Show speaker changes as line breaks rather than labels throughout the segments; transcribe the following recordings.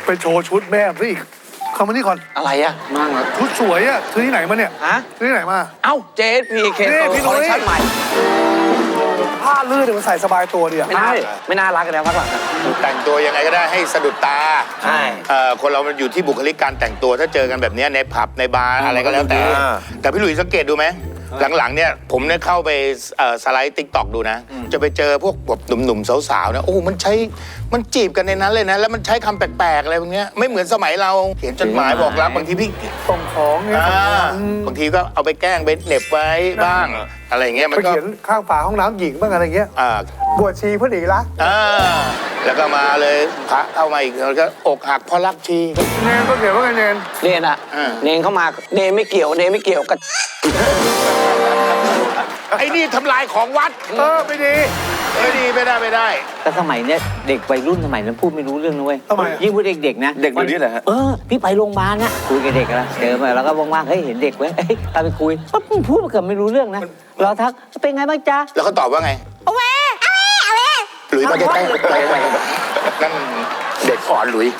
ไปโชว์ชุดแม่ซะอีกเข้ามานี่ก่อน
อะไรอะมั่งอะ
ชุดสวยอะซื้อที่ไหนมาเนี่ย
ฮะ
ซื้อที่ไหนมา
เอ้า JSPK คอลเลคชั่นใหม่
ผ้าลื่นเนี่ยมันใส่สบายตัวดีอะ
ไม่น่ารักกันแล้วพักหลัง
แต่งตัวยังไงก็ได้ให้สะดุดตา
ใช่
คนเรามันอยู่ที่บุคลิกการแต่งตัวถ้าเจอกันแบบนี้ในผับในบาร์อะไรก็แล้วแต่พี่หลุยสังเกตดูไหมหลังๆเนี่ยผมเนี่ยเข้าไปสไลด์ติ๊กต็อกดูนะจะไปเจอพวกแบบหนุ่มๆสาวๆนะโอ้มันจีบกันในนั้นเลยนะแล้วมันใช้คำแปลกๆอะไรพวกนี้ไม่เหมือนสมัยเราเขียนจดหมายบอกรักบางทีพี่
ส่งของเนี่ย
บางทีก็เอาไปแกล้งไปเหน็บไว้บ้างอะไรเงี้ยมันก็
เขียนข้างฝาห้องน้ำหญิงบ้างอะไรเงี้ยบวชชีเพื่อหนีรัก
แล้วก็มาเลยพระเข้ามาอีกแล้วก็อกหักเพราะรักชี
เนนก็เขียนว่าไงเน
นอะเนนเข้ามาเนนไม่เกี่ยวกับ
ไอ้นี่ทำลายของวัดไม่ดีไม่ได้
แต่สมัยเนี้ยเด็กวัยรุ่นสมัยนั้นพูดไม่รู้เรื่องนะเว้ยยิ่งพูดเด็กๆนะ
เด็กอยู่นี่แหละฮะ
พี่ไปโรงพยาบาลนะคุยกับเด็กแล้วเจอมาแล้วก็ว่างๆเฮ้ยเห็นเด็กเว้ยตามไปคุยปั๊บพูดเกือบไม่รู้เรื่องนะเราทักเป็นไงบ้างจ๊ะ
แล้วเขาตอบว่าไงเอาเว้หลุยมาใกล้ๆนั่นเด็กอ่อนหลุย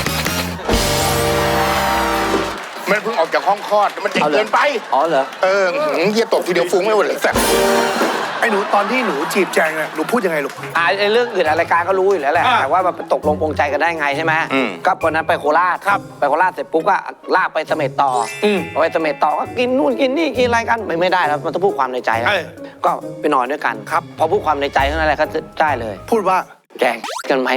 มันเพิ่งออกจากห้องคลอดมันเด็กเกินไป
เหรอ
เฮียตบทีเดียวฟุ้งไม่หมดเลยแซ่บ
ไอ้หนูตอนที่หนูจีบแจงเนี่ยหนูพูดยังไงลูก
เรื่องอื่นรายการก็รู้อยู่แล้วแหละแต่ว่ามันตกลงปรงใจกันได้ไงใช่ไหมก็วันนั้นไปโคราชไปโคราชเสร็จปุ๊บก็ลากไปเสม็ดต่อไปเสม็ดต่อก็กินนู่นกินนี่กินอะไรกันไม่ได้แล้วมันต้องพูดความในใจก็ไปนอนด้วยกันครับพอพูดความในใจเท่านั้นแหละก็ได้เลย
พูดว่า
แจงกันไหม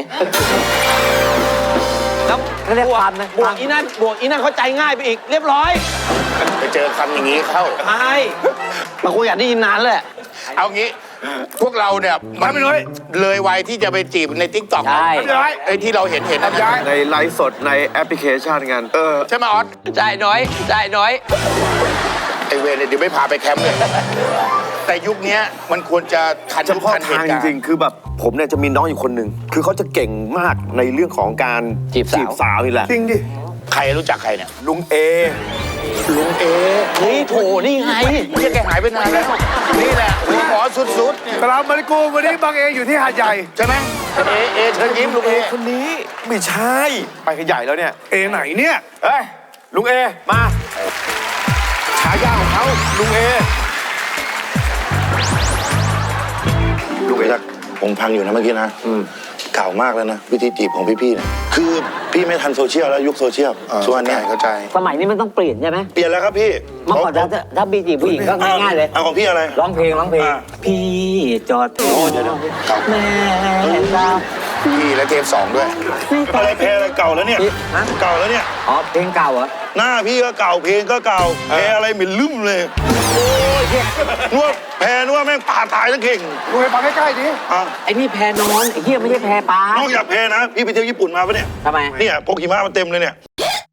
แล้ว
เรียกความนะ
บวกอีนั่นเข้าใจง่ายไปอีกเรียบร้อย
ไปเจอคำอย่างนี้เข้า
ใช่มาคุยอยากได้ยินนานเลย
เอางี้พวกเราเนี่ยมันเลยวัยที่จะไปจีบในทิกตอก
ใช่
ไอ้ที่เราเห็น
ในไลฟ์สดในแอปพลิเคชันกัน
ใช่ไหมออส
จ่ายน้อย
ไอเวรเดี๋ยวไม่พาไปแคมป์เลยแต่ยุคนี้มันควรจะทันยุคทันเหตุการณ์
จริงๆคือแบบผมเนี่ยจะมีน้องอยู่คนหนึ่งคือเขาจะเก่งมากในเรื่องของการ
จีบสาว
นี่แหละ
จริงดิ
ใครรู้จักใครเนี่ย
ลุงเอ
นี่โถนี่ไง
ที่แกหายไปนานแล้วนี่แหละหัวหมอสุดๆ
กลับมาดิกูวันนี้บางเออยู่ที่หาดใหญ่
ใช่ไหมเอเชิญยิ้มลุงเอ
คนนี้ไม่ใช่ไปกันใหญ่แล้วเนี่ย
เอไหนเนี่ย
ลุงเอมาฉายาของเขาลุงเอ
จะผมพังอยู่นะเมื่อกี้นะเก่ามากแล้วนะวิธีจีบของพี่ๆเนี่ยคือพี่ไม่ทันโซเชียลแล้วยุคโซเชียลส่วนนี้
เข้าใจ
สมัยนี้มันต้องเปลี่ยนใช่ไหม
เปลี่ยนแล้วครับพี่
เมื่อก่อนถ้าบีจีบผู้หญิงก็ง่ายๆเลย
เอาของพี่อะไร
ร้องเพลงพี่จอดแม่
พี่และเทป2ด้วย
อะไรเพลงอะไรเก่าแล้วเนี่ยเก่าแล้วเนี่ย
เพลงเก่าเหรอ
หน้าพี่ก็เก่าเพลงก็เก่าเพลงอะไรเหม็นลืมเลยนวดแพนวดแม่งป่าตายทั้งเข่ง
ดูให้ฟังใกล้ๆดิ
ไอ้นี่แพนอนไอ้เหี้ยไม่ใช่แพปลาน
อกจากแพนะพี่ไปเที่ยวญี่ปุ่นมาปะเนี่ย
ทำไม
เนี่ยพกหิมะมาเต็มเลยเนี่ย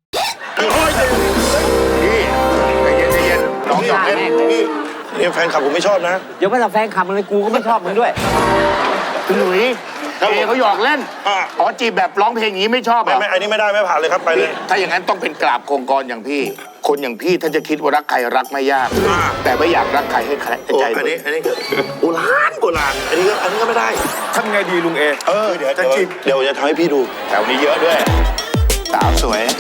พี่ใจเย็นน้องหยอกเล่น
พี่เนี่ยแฟนคลับผมไม่ชอบนะ
เดี๋ยวไม่ทำแฟนคลับมึงเลยกูก็ไม่ชอบมึงด้วย
พี่หลุยเขาหยอกเล่นจีบแบบร้องเพลงอย่างนี้ไม่ชอบ
ไม่อันนี้ไม่ได้ไม่ผ่านเลยครับไปเลย
ถ้าอย่างนั้นต้องเป็นกราบโคงกรอย่างพี่คนอย่างพี่ถ้าจะคิดว่ารักใครรักไม่ยากแต่ไม่อยากรักใครให้ใจ
อันนี้โบราณอันนี้ก็ไม่ได้
ทำไงดีลุงเอ
เดี๋ยวจะจีบเดี๋ยวจะทำให้พี่ดู
แถวนี้เยอะด้วยสาวสวย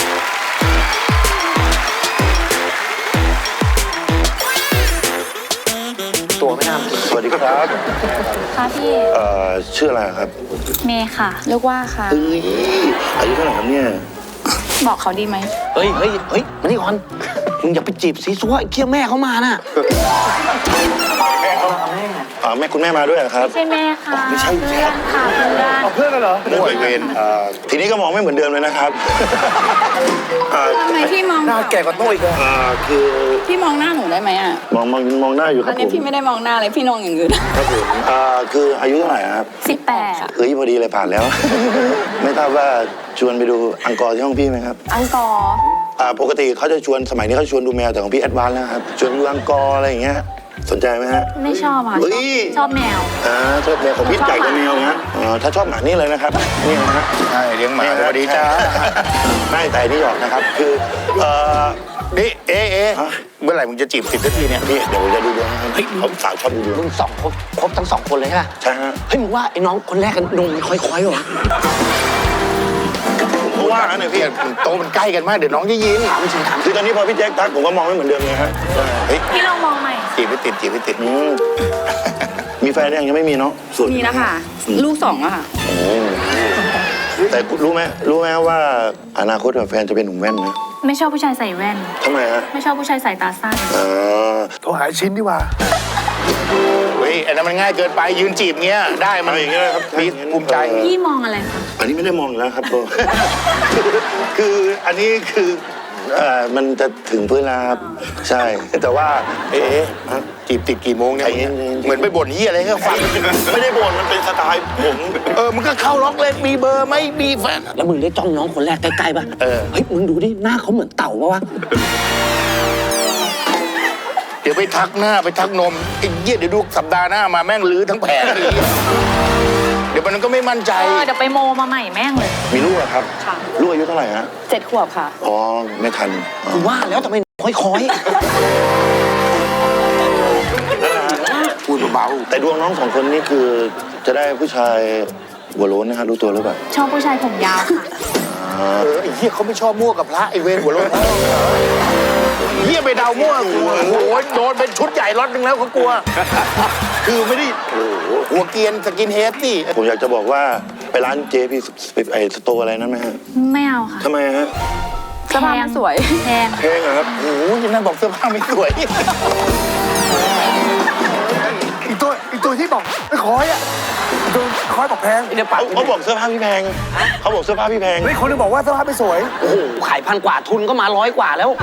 ตัวไม่น่า
สวัสดีครับ
ค่ะพี่
ชื่ออะไรครับ
เมย์ค่ะลูกว่าค่ะ
อายุเท่าไหร่ครับเนี่ย
บอกเขาดีไหม
เฮ้ยมานี่ก่อนมึงอย่าไปจีบซีซัวไอ้เคี้ยแม่เขามาน่ะ
แม่คุณแม่มาด้วยครับ
ไม่ใช่แม่ค่ะ
ไม่ใช่
เพื่อนค่ะ
เพื่อนกันเหรอ
โวยเวรทีนี้ก็มองไม่เหมือนเดิมเลยนะครับ
ทำไมพี่มอง
หน้าแก่กว่าโต้อีกเลย
คือ
พี่มองหน้าหนูได้ไหม
มองหน้าอยู่ครับ
อันนี้พี่ไม่ได้มองหน้าเลยพี่มองอย่างอื่น
ครับผมคืออายุเท่าไหร่ครับ
18ค่ะ
พอดีเลยผ่านแล้ว ไม่ทราบว่าชวนไปดูอังกอร์ที่ห้องพี่ไหมครับ
อังกอร์
ปกติเขาจะชวนสมัยนี้เขาชวนดูแมวแต่ของพี่แอดวานซ์แล้วครับชวนดูอังกอร์อะไรอย่างเงี้ยสนใจไหมฮะ
ไม่ชอบค่ะชอบแมว
ชอบแมวของพี่ใหญ่กว่าแมวนะถ้าชอบหมานี่เลยนะครับนี่นะฮะ
ใช่เลี้ยงหมาสวัสดีจ้า
ไม่แต่นี่หยอกนะครับคือ
นี่เมื่อไหร่มึงจะจีบ10 นาทีเนี่ย
พี่เดี๋ยวผมจะดูดวงนะครับเขาสาวชอบดูดวง
มึงครบทั้ง2 คนเลยใช่ไหม
ใช่ฮะ
เฮ้ยมึงว่าไอ้น้องคนแรกกันนมค่อยๆหรอ
ผมว่าว่างั้นเลยพี่
โตมันใกล้กันมากเดี๋ยวน้องจะยิน
คือตอนนี้พอพี่แจ็คทักผมก็มองไม่เหมือนเดิมไงฮะ
เฮ้ย
พี่ลองมองใหม่
จีบไม่ติดจีบไม่ติด
มีแฟนยังไม่มีเนาะโสด
มีแล้วค่ะ ลูก2อะค่ะ
แต่รู้ไหมว่าอนาคตกับแฟนจะเป็นหนุ่มแว่นนะ
ไม่ชอบผู้ชายใส่แว่น
ทำไมฮะ
ไม่ชอบผู้ชายใส่ตาสั้น
อ่า
โทรหาชิ้นดีกว่า
เฮ้ยอันนั้นมันง่ายเกินไปยืนจีบเงี้ยได้มัน
เอาอย่างเงี้ยครับ
มีภูมิใจ
พี่มองอะไรคะ
อันนี้ไม่ได้มองอยู่แล้วครับ ตัว คืออันนี้คือมันจะถึงพื้นแล้วครับใช่แต่ว่า
เอ๊ะจีบติดกี่โมงเนี่ย
ใจเย็นๆ
เหมือนไปบ่นเฮียอะไรให้เขาฟัง
ไม่ได้บ่นมันเป็นสไตล์ผม
มึงก็เข้าล็อกเลยมีเบอร์ไหมมีแฟน
แล้วมึงได้จ้องน้องคนแรกใกล้ๆป่ะ เฮ้ย มึงดูดิ หน้าเขาเหมือนเต่าป่ะวะ
เดี๋ยวไปทักหน้าไปทักนมไอ้เหี้ยเดี๋ยวดูสัปดาห์หน้ามาแม่งลื้อทั้งแผงเลยเดี๋ยวมันก็ไม่มั่นใจ
เดี๋ยวไปโมมาใหม่แม่งเลย
มีลูกเหรอครับ
ค่ะ
ลูกอายุเท่าไหร่ฮะ
7 ขวบค่ะ
อ๋อไม่ทันอ๋อ
กูว่าแล้วทำไมค่อย
พูดเบา
แต่ดวงน้องสองคนนี้คือจะได้ผู้ชายหัวโล้นนะฮะรู้ตัวหรือเปล่า
ชอบผู้ชายผมยาวค่ะ
ไอ้เหี้ยเขาไม่ชอบมั่วกับพระไอ้เวรหัวโล้นเหี้ยไปเดามั่วกูโอ้โหโดนเป็นชุดใหญ่รถนึงแล้วเขากลัว คือไม่ได้โอ้โหหัวเกรียนสกินเฮดสิ
ผมอยากจะบอกว่าไปร้านเจพี่ไอสโตร์อะไรนั้นไหมฮะ
ไม่เอาค่ะ
ทำไมฮะ
เสื้อผ้ามันสวย แพง
เพลงอะครับ
โอ้โหยังนั่งบอกเสื้อผ้าไม่สวย
อีกตัวที่บอกไม่คอยอ่ะอีกตัวคอยบอกแพง
ๆเดี๋ยวปัด
เขาบอกเสื้อผ้าพี่แพงเขาบอกเสื้อผ้าพี่แพง
เฮ้ยคนนึงบอกว่าเสื้อผ้าไม่สวย
โอ้โห ขาย1,000 กว่าทุนก็มา100 กว่าแล้ว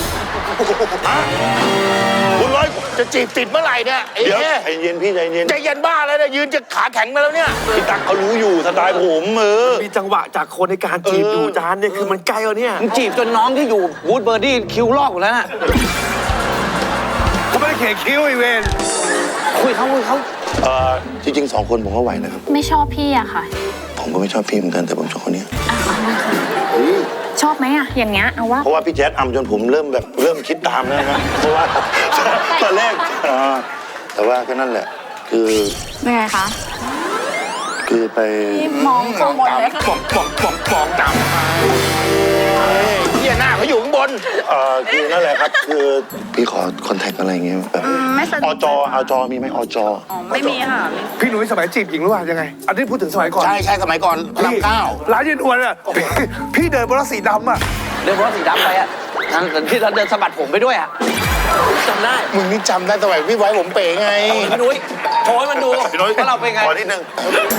คุณร้อยจะจีบติดเมื่อไหร่เนี่ยไอ้
เดี๋ยว
เหี้ย
ใจเย็นพี่ใจเย็น
ใจเย็นบ้าแล้วเนี่ยยืนจะขาแข็งมาแล้วเนี่ย
พี่ตั๊กเขารู้อยู่สไตล์ผม
มีจังหวะจากคนในการจีบอยู่จานเนี่ยคือมันใกล้แล้วเนี่ย
มึงจีบจนน้องที่อยู่วูดเบอร์ดี้คิวลอกหมดแล้วน่ะ
เขาไม่ได้เขียนคิ้วไอเวน
คุยเขา
จริงๆ2 คนผมก็ไหวนะครับ
ไม่ชอบพี่อะค่ะ
ผมก็ไม่ชอบพี่เหมือนกันแต่ผมชอบคนนี้
ชอบไหมอะอย่างเงี้ยเอาว่า
เพราะว่าพี่แจ๊ดอำจนผมเริ่มคิดตามแล้วนะเพราะว่าตอนแรกแต่ว่าก็นั่นแหละ คือ
เป็นไงคะ
คือไป
พี่มองข้างบนเลยค่ะ
ปองดำเฮียหน้าเขาอยู่ข้างบน
คือนั่นแหละครับ คือพี่ขอคอนแทคอะไรอย่างเงี้ยแบบ
ไม่สะดวก
อจมีไหมอจ
ไม่มีค่ะ
พี่หนุ่ยสมัยจีบหญิงรู้ป่ะยังไง อันนี้พูดถึงสมัยก่อน
ใช่สมัยก่อนพระรามเก้า
ร้านยืนอวนอ่ะพี่เดินบนรถสีดำอ่ะ
เดินเพราะสีดำไปอ่ะที่เราเดินสะบัดผมไปด้วยอ่ะจำได้
มึงนี่จำได้สมัยพี่ไว้ผมเป๋ไง
พี่นุ้ยโชว์ให้มันดูว่าเราเป็นไง
ขอนิดนึง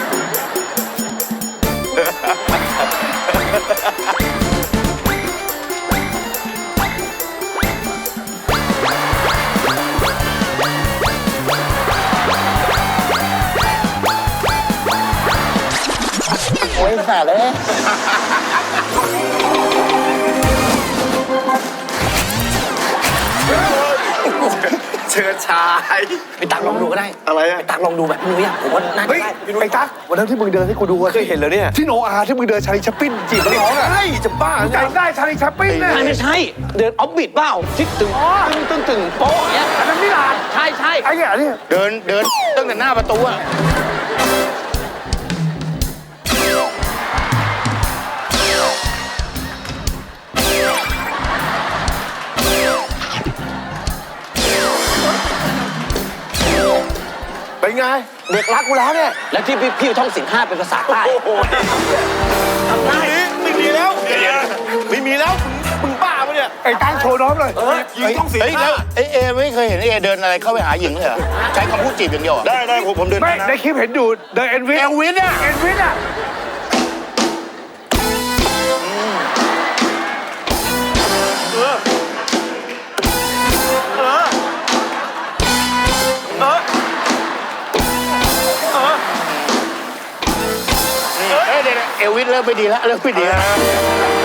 โอ้ยขาดเลย
เชิญชาย
ไปตักลองดูก็ได้
อะไรอะ
ไปตักลองดูแบบพี่นุ้ยอ่ะผมว่าน่าจะ
เฮ้ย
ได้
ไอ้ตั๊กวันนั้นที่มึงเดินให้กูดูอะ
เคยเห็นแล้วเนี่ย
ที่โนอาที่มึงเดินชาลีชัปปิ้นจีบนักร้องอ่ะ
ใช่จะบ้าไง
จำได้ชาลีชัปปิ้นเนี่ย
ไม่ใช่ เดินออฟบิดเปล่าทิศตึงตึงโป๊ะเนี้ย
อันนั้นมิลาน
ใช่
ไอ้เนี่ยเนี่ย
เดินตั้งแต่หน้าประตูอะ
เป็นไง
เด็กรักกูแล้วเนี่ย
แล้วที่พี่ท่องสิน5เป็นภาษาใต้
ทำได้ไม่มีแล้วไม่มีแล้วมึงบ้าปะเนี่ย
ไอ้ตั๊กโชว์น้องเลย
ยิงต้องเสีย
เฮ้ยแล้วเอไม่เคยเห็นเอเดินอะไรเข้าไปหาหญิงเลยเหรอใช้คำพูดจีบอย่างเดียวเหรอ
ได้ผมเดิน
ไม่
นะ
ในคลิปเห็นดูเดินเอ็นวิท
เอลวิสอะ
เอ็นวิทอ่ะ
เดี๋ยวเอลวิสเริ่มไม่ดีแล้วเริ่มไม่ดีแล้ว